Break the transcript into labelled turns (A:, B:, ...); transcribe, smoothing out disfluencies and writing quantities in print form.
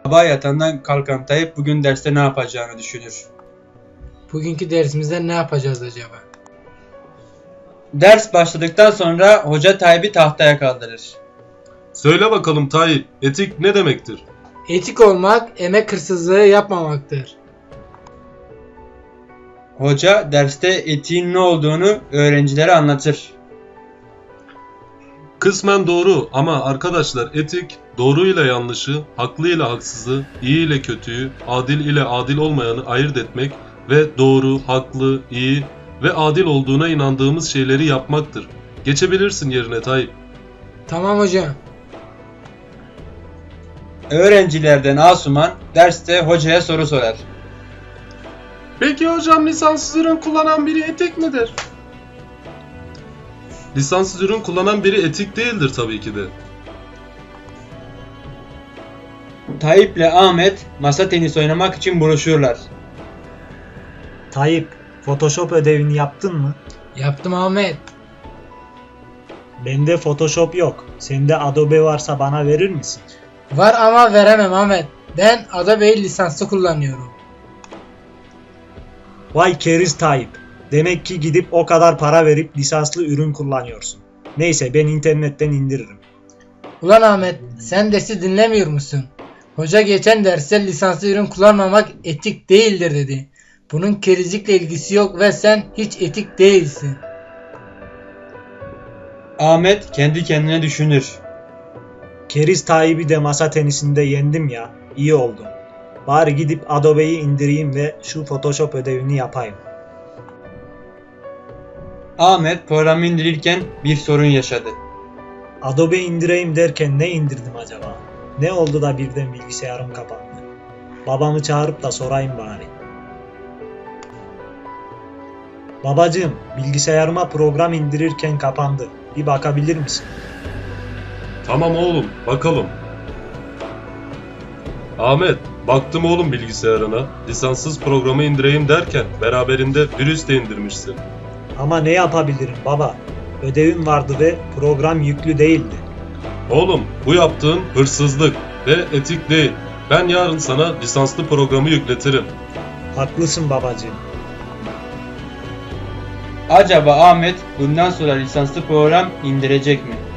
A: Sabah yatağından kalkan Tayyip bugün derste ne yapacağını düşünür.
B: Bugünkü dersimizde ne yapacağız acaba?
A: Ders başladıktan sonra hoca Tayyip'i tahtaya kaldırır.
C: Söyle bakalım Tayyip, etik ne demektir?
B: Etik olmak, emek hırsızlığı yapmamaktır.
A: Hoca derste etiğin ne olduğunu öğrencilere anlatır.
C: Kısmen doğru ama arkadaşlar etik doğru ile yanlışı, haklı ile haksızı, iyi ile kötüyü, adil ile adil olmayanı ayırt etmek ve doğru, haklı, iyi ve adil olduğuna inandığımız şeyleri yapmaktır. Geçebilirsin yerine Tayyip.
B: Tamam hocam.
A: Öğrencilerden Asuman derste hocaya soru sorar.
C: Peki hocam lisanssız ürün kullanan biri etik midir? Lisanssız ürün kullanan biri etik değildir tabii ki de.
A: Tayyip'le Ahmet masa tenisi oynamak için buluşurlar.
D: Tayyip, Photoshop ödevini yaptın mı?
B: Yaptım Ahmet.
D: Bende Photoshop yok. Sende Adobe varsa bana verir misin?
B: Var ama veremem Ahmet. Ben Adobe'yi lisanslı kullanıyorum.
D: Vay keriz Tayyip. Demek ki gidip o kadar para verip lisanslı ürün kullanıyorsun. Neyse ben internetten indiririm.
B: Ulan Ahmet, sen dersi dinlemiyor musun? Hoca geçen derste lisanslı ürün kullanmamak etik değildir dedi. Bunun kerizlikle ilgisi yok ve sen hiç etik değilsin.
A: Ahmet kendi kendine düşünür.
D: Keriz Tayyip'i de masa tenisinde yendim ya. İyi oldu. Bari gidip Adobe'yi indireyim ve şu Photoshop ödevini yapayım.
A: Ahmet programı indirirken bir sorun yaşadı.
D: Adobe indireyim derken ne indirdim acaba? Ne oldu da birden bilgisayarım kapandı? Babamı çağırıp da sorayım bari. Babacığım, bilgisayarıma program indirirken kapandı. Bir bakabilir misin?
C: Tamam oğlum, bakalım. Ahmet, baktım oğlum bilgisayarına. Lisanssız programı indireyim derken beraberinde virüs de indirmişsin.
D: Ama ne yapabilirim baba? Ödevim vardı ve program yüklü değildi.
C: Oğlum, bu yaptığın hırsızlık ve etik değil. Ben yarın sana lisanslı programı yükletirim.
D: Haklısın babacığım.
A: Acaba Ahmet bundan sonra lisanslı program indirecek mi?